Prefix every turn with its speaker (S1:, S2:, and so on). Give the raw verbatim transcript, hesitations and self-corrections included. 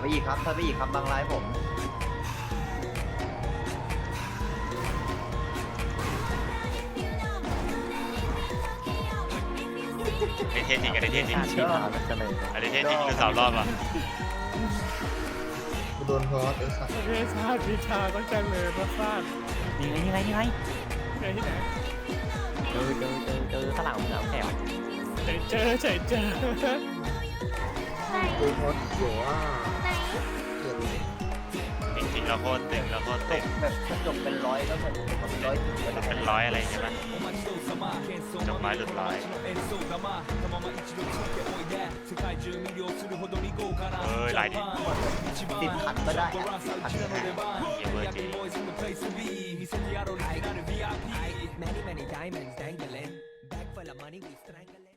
S1: อีกครับถอยไปอีกครับบางร้ายผม
S2: ไอเทนจริงกับไอเทนจริง
S3: ชีพามันจะเลย
S2: ไอเทนจริงคือสามรอบอ่ะ
S4: กูโดนพอสไอ้สัตว์
S5: เฮ้ยชาติวิชาต้องจังเลยมาฟาด
S3: นี่ไงนี่ไงนี่ไง
S5: เจอที่ไหน
S3: เจอเจอเจอเจอข้างหลังมึงเอาแถว
S5: เจอเจอเจอเจอ
S4: กูพอสอยู่ว่าเกิด
S2: จริงๆแล้วโคตรตึงแล้วโคตรตึง
S1: แบบกระจกเป็นร้อยก็เหมือนเป็นร้อยจุดก็ได้
S2: เป็นร้อยอะไรใช่ไหมจบไม้หลุดร้อยเออหลายดิ
S1: สิบคันก็ได้อะสิบคันก็ได้
S2: เยเวอร์จี
S6: Many, many diamonds dangling. Back full of money, we strangling.